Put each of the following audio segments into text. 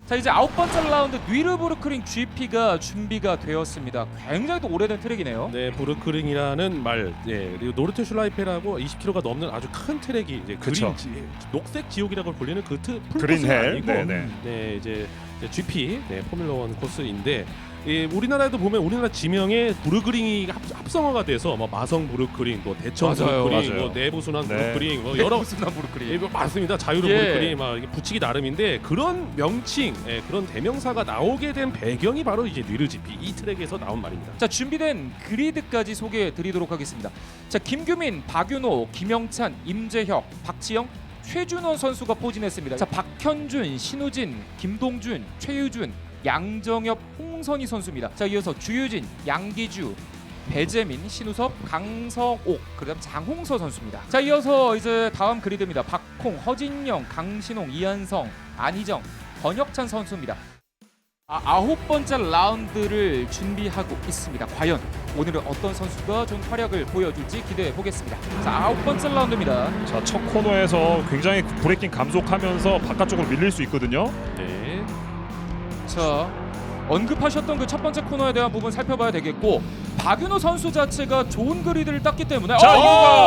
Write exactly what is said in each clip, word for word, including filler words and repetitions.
자 이제 아홉 번째 라운드 뉘르부르크링 지피가 준비가 되었습니다. 굉장히 또 오래된 트랙이네요. 네, 부르크링이라는 말, 예, 그리고 노르트슐라이페라고 이십 킬로미터가 넘는 아주 큰 트랙이 이제 그쵸. 그린 지, 녹색 지옥이라고 불리는 그 트, 그린헬. 아니고, 네네. 네, 이제, 이제 지피, 네, 포뮬러원 코스인데. 예, 우리나라에도 보면 우리나라 지명에 부르크링이 합, 합성어가 돼서 뭐 마성 부르크링, 뭐 대천 맞아요, 부르크링, 맞아요. 뭐 내부순환 네. 부르크링, 뭐 여러 무슨 부르크링. 예, 뭐 맞습니다. 자유로 예. 부르크링 막 이게 붙이기 나름인데 그런 명칭, 예, 그런 대명사가 나오게 된 배경이 바로 이제 뉘르지피 이 트랙에서 나온 말입니다. 자 준비된 그리드까지 소개해드리도록 하겠습니다. 자 김규민, 박윤호, 김영찬, 임재혁, 박지영, 최준원 선수가 포진했습니다. 자 박현준, 신우진, 김동준, 최유준, 양정엽, 홍선희 선수입니다. 자 이어서 주유진, 양기주, 배재민, 신우섭, 강성옥, 그다음 장홍서 선수입니다. 자 이어서 이제 다음 그리드입니다. 박홍, 허진영, 강신홍, 이한성, 안희정, 권혁찬 선수입니다. 아, 아홉 번째 라운드를 준비하고 있습니다. 과연 오늘은 어떤 선수가 좀 활약을 보여줄지 기대해 보겠습니다. 자 아홉 번째 라운드입니다. 자, 첫 코너에서 굉장히 브레이킹 감속하면서 바깥쪽으로 밀릴 수 있거든요. 네. 자 언급하셨던 그 첫 번째 코너에 대한 부분 살펴봐야 되겠고 박윤호 선수 자체가 좋은 그리드를 땄기 때문에 자, 어,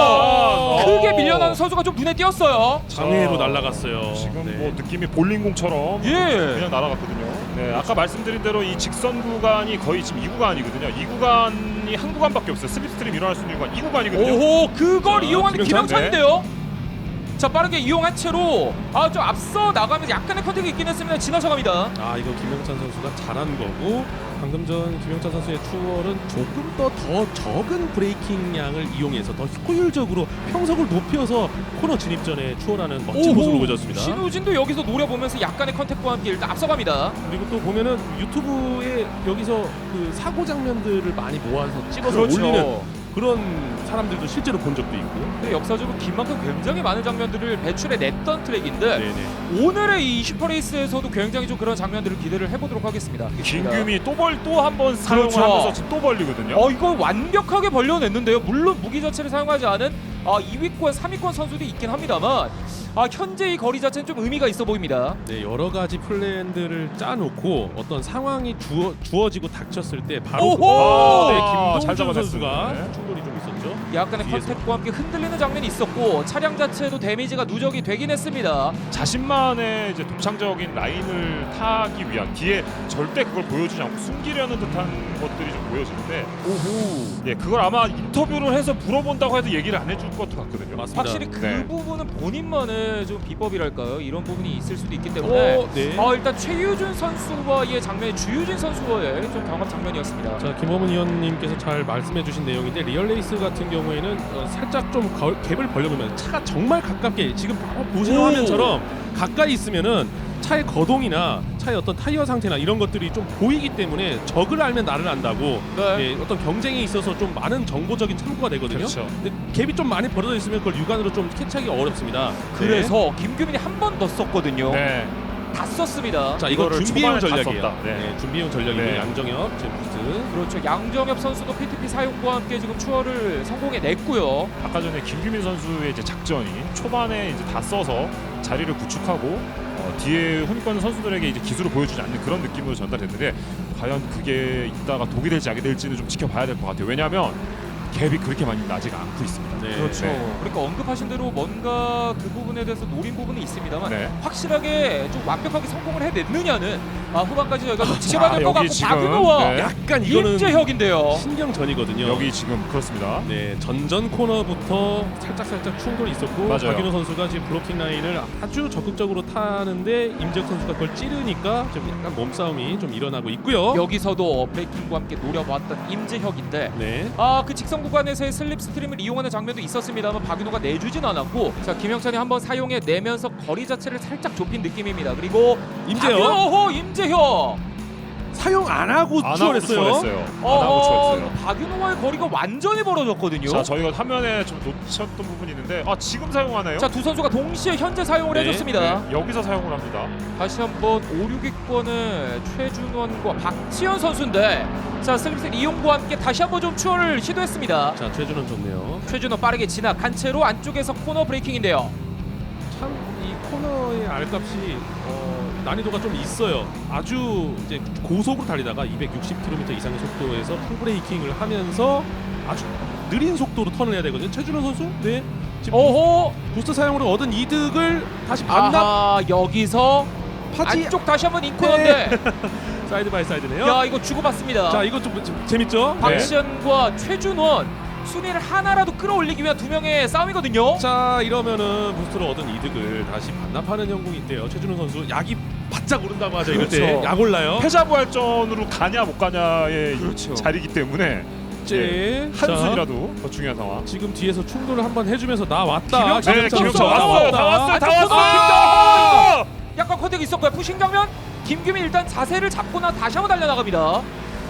이거가 크게 어. 밀려나는 선수가 좀 눈에 띄었어요. 장외로 자, 날아갔어요. 지금 네. 뭐 느낌이 볼링공처럼 예. 그냥 날아갔거든요. 네, 아까 말씀드린 대로 이 직선 구간이 거의 지금 이 구간이거든요. 이 구간이 한 구간밖에 없어요. 슬립스트림 일어날 수 있는 구간 이 구간이거든요. 오호 그걸 자, 이용하는 김영찬? 김영찬인데요. 자 빠르게 이용한 채로 아 좀 앞서 나가면서 약간의 컨택이 있긴 했습니다. 지나쳐 갑니다. 아 이거 김영찬 선수가 잘한 거고 방금 전 김영찬 선수의 추월은 조금 더 더 적은 브레이킹 양을 이용해서 더 효율적으로 평속을 높여서 코너 진입 전에 추월하는 멋진 모습을 보여줬습니다. 신우진도 여기서 노려보면서 약간의 컨택과 함께 일단 앞서갑니다. 그리고 또 보면은 유튜브에 여기서 그 사고 장면들을 많이 모아서 찍어서 그렇죠. 올리는 그런 사람들도 실제로 본 적도 있고. 근데 역사적으로 긴만큼 굉장히 많은 장면들을 배출해냈던 트랙인데 네네. 오늘의 이 슈퍼레이스에서도 굉장히 좀 그런 장면들을 기대를 해보도록 하겠습니다. 김규미 또벌또 한 번 그렇죠. 사용하면서 지금 또 벌리거든요. 어 이거 완벽하게 벌려냈는데요. 물론 무기 자체를 사용하지 않은 아, 이 위권, 삼 위권 선수도 있긴 합니다만 아, 현재 이 거리 자체는 좀 의미가 있어 보입니다. 네, 여러 가지 플랜들을 짜놓고 어떤 상황이 주어, 주어지고 닥쳤을 때 바로 오호! 그, 아, 네, 아, 잘 김동준 잡아냈어요. 선수가 네. 충돌이 좀 있었죠. 약간의 뒤에서. 컨택과 함께 흔들리는 장면이 있었고 차량 자체도 데미지가 누적이 되긴 했습니다. 자신만의 이제 독창적인 라인을 타기 위한 뒤에 절대 그걸 보여주지 않고 숨기려는 듯한 것들이 좀 보여지는데 오호. 예, 그걸 아마 인터뷰를 해서 물어본다고 해도 얘기를 안 해줄 것 같거든요. 맞습니다. 확실히 그 네. 부분은 본인만의 좀 비법이랄까요? 이런 부분이 있을 수도 있기 때문에 어, 네. 아, 일단 최유준 선수와의 장면이 주유진 선수와의 좀 경합 장면이었습니다. 자, 김호문 의원님께서 잘 말씀해주신 내용인데 리얼레이스 같은 경우에는 어, 살짝 좀 거, 갭을 벌려보면 차가 정말 가깝게 지금 바로 보시는 오! 화면처럼 가까이 있으면은 차의 거동이나 차의 어떤 타이어 상태나 이런 것들이 좀 보이기 때문에 적을 알면 나를 안다고 네. 예, 어떤 경쟁에 있어서 좀 많은 정보적인 참고가 되거든요. 그렇죠. 근데 갭이 좀 많이 벌어져 있으면 그걸 육안으로 좀 캐치하기 어렵습니다. 그래서 김규민이 한 번 더 썼거든요. 네. 다 썼습니다. 자, 이거 이거를 준비해온 초반에 다 전략이에요. 썼다. 네. 네, 준비해온 전략이고 네. 양정엽 지금 부스. 그렇죠. 양정엽 선수도 피티피 사용과 함께 지금 추월을 성공해냈고요. 아까 전에 김규민 선수의 이제 작전이 초반에 이제 다 써서 자리를 구축하고 어, 뒤에 혼권 선수들에게 이제 기술을 보여주지 않는 그런 느낌으로 전달됐는데 과연 그게 이따가 독이 될지 악이 될지는 좀 지켜봐야 될 것 같아요. 왜냐하면 갭이 그렇게 많이 나지가 않고 있습니다. 네. 그렇죠. 네. 그러니까 언급하신 대로 뭔가 그 부분에 대해서 노린 부분이 있습니다만 네. 확실하게 좀 완벽하게 성공을 해냈느냐는 아, 후반까지 저희가 좀 지켜봐야 될 것 여기 같고 지금, 박윤호와 네. 약간 이거는 임재혁인데요. 신경전이거든요. 여기 지금 그렇습니다. 네, 전전 코너부터 살짝 살짝 충돌이 있었고 맞아요. 박윤호 선수가 지금 블로킹 라인을 아주 적극적으로 타는데 임재혁 선수가 그걸 찌르니까 좀 약간 몸싸움이 좀 일어나고 있고요. 여기서도 브레이킹과 함께 노려봤던 임재혁인데 네. 아, 그 직선 구간에서의 슬립 스트림을 이용하는 장면도 있었습니다만 박윤호가 내주진 않았고 자 김영찬이 한번 사용해 내면서 거리 자체를 살짝 좁힌 느낌입니다. 그리고 임재혁 박윤호, 임재혁 사용 안 하고 안 하고 추월했어요. 추월했어요. 안 하고 어, 추월했어요. 박윤호와의 거리가 완전히 벌어졌거든요. 자, 저희가 화면에 좀 놓쳤던 부분이 있는데 아, 지금 사용하나요? 자, 두 선수가 동시에 현재 사용을 네, 해줬습니다. 네, 여기서 사용을 합니다. 다시 한번 오, 육 위권의 최준원과 박지현 선수인데 자 슬립스 이용과 함께 다시 한번 좀 추월을 시도했습니다. 자, 최준원 좋네요. 최준원 빠르게 진압한 채로 안쪽에서 코너 브레이킹인데요. 참 이 코너의 알값이 어, 난이도가 좀 있어요. 아주 이제 고속으로 달리다가 이백육십 킬로미터 이상의 속도에서 풀브레이킹을 하면서 아주 느린 속도로 턴을 해야 되거든요. 최준호 선수, 네, 지금 오호. 부스트 사용으로 얻은 이득을 다시 반납 아하, 여기서 하지. 안쪽 다시 한번 인코너인데 사이드 바이 사이드네요. 야 이거 주고받습니다. 자, 이거 좀, 좀 재밌죠? 네. 박시현과 최준원 순위를 하나라도 끌어올리기 위한 두 명의 싸움이거든요. 자, 이러면은 부스트로 얻은 이득을 다시 반납하는 형국인데요. 최준호 선수 약이 바짝 오른다고 하죠. 이럴 때 그렇죠. 약 올라요. 패자부활전으로 가냐 못 가냐의 그렇죠. 자리이기 때문에 네. 한 자, 순이라도 더 중요한 상황. 지금 뒤에서 충돌을 한번 해주면서 나 왔다. 김영찬 네, 선수 김영찬 왔어요. 왔어요. 다 왔어요. 다 아, 왔어요. 약간 컨택이 있었고요. 푸싱 장면. 김규민 일단 자세를 잡고 나 다시 한번 달려나갑니다.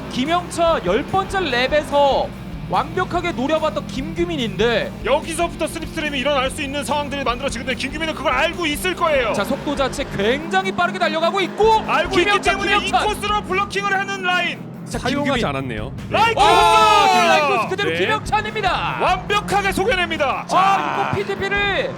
김영철 열 번째 랩에서 완벽하게 노려봤던 김규민인데 여기서부터 슬립스트림이 일어날 수 있는 상황들이 만들어지는데 김규민은 그걸 알고 있을 거예요. 자 속도 자체 굉장히 빠르게 달려가고 있고 알고 있기 김영찬, 때문에 이 김영찬. 코스로 블러킹을 하는 라인. 자, 사용하지 김규민. 않았네요. 라인 와, 코스! 라이코스 그대로 네. 김영찬입니다. 완벽하게 속여냅니다. 아, 이거 피티피를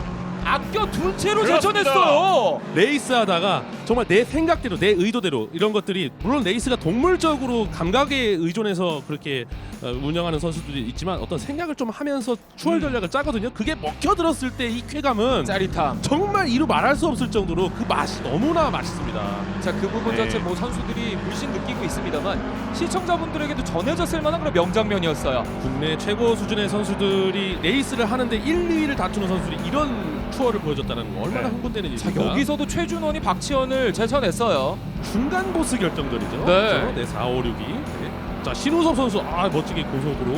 아껴 둔 채로 그렇습니다. 제쳐냈어요. 레이스 하다가 정말 내 생각대로 내 의도대로 이런 것들이 물론 레이스가 동물적으로 감각에 의존해서 그렇게 어, 운영하는 선수들이 있지만 어떤 생각을 좀 하면서 추월 전략을 짜거든요. 그게 먹혀들었을 때 이 쾌감은 짜릿함. 정말 이루 말할 수 없을 정도로 그 맛이 너무나 맛있습니다. 자, 그 부분 네. 자체 뭐 선수들이 물씬 느끼고 있습니다만 시청자분들에게도 전해졌을 만한 그런 명장면이었어요. 국내 최고 수준의 선수들이 레이스를 하는데 일, 이 위를 다투는 선수들이 이런 추월을 보여줬다는 거 얼마나 네. 흥분되는 자, 일입니까? 여기서도 최준원이 박지현을 제쳐냈어요. 중간 보스 결정전이죠. 네. 그렇죠? 네, 사, 오, 육이. 네. 자, 신우섭 선수 아 멋지게 고속으로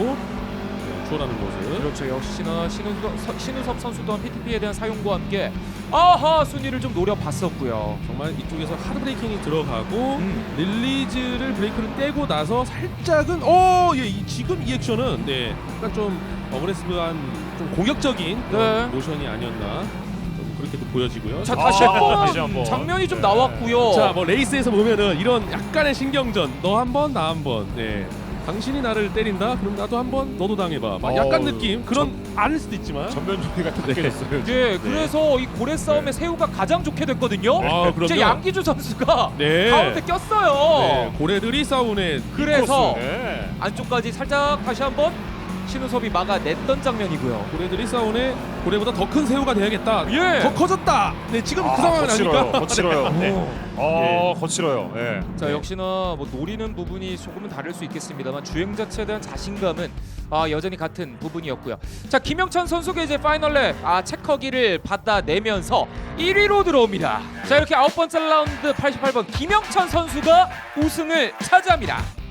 네, 추월하는 모습. 그렇죠. 역시나 신우섭, 서- 신우섭 선수 또한 피티피에 대한 사용과 함께 아하 순위를 좀 노려봤었고요. 정말 이쪽에서 하드 브레이킹이 들어가고 음. 릴리즈를 브레이크를 떼고 나서 살짝은 어, 예, 이, 지금 이 액션은 네, 약간 좀 어그레시브한 좀 공격적인 그런 네. 모션이 아니었나 좀 그렇게도 보여지고요. 자, 아, 다시 다시 한번 한번. 장면이 좀 네. 나왔고요. 자, 뭐 레이스에서 보면은 이런 약간의 신경전, 너 한 번, 나 한 번, 네. 당신이 나를 때린다, 그럼 나도 한 번, 너도 당해봐. 막 약간 어우, 느낌 그런 아닐 수도 있지만. 전면 조리가 다 네. 느껴졌어요. 예, 그래서 이 고래 싸움에 네. 새우가 가장 좋게 됐거든요. 아, 이제 그럼요. 양기주 선수가 네. 가운데 꼈어요. 네, 고래들이 싸우네. 그래서 네. 안쪽까지 살짝 다시 한번 신우섭이 막아냈던 장면이고요. 고래들이 싸우네. 고래보다 더 큰 새우가 돼야겠다. 예. 더 커졌다. 네, 지금 아, 그 상황은 거칠어요. 아니까. 거칠어요. 네. 오. 어, 거칠어요. 예. 자, 역시나 뭐 노리는 부분이 조금은 다를 수 있겠습니다만 주행 자체에 대한 자신감은 아, 여전히 같은 부분이었고요. 자, 김영찬 선수가 이제 파이널랩 아, 체커기를 받아내면서 일 위로 들어옵니다. 자, 이렇게 아홉 번째 라운드 팔십팔 번 김영찬 선수가 우승을 차지합니다.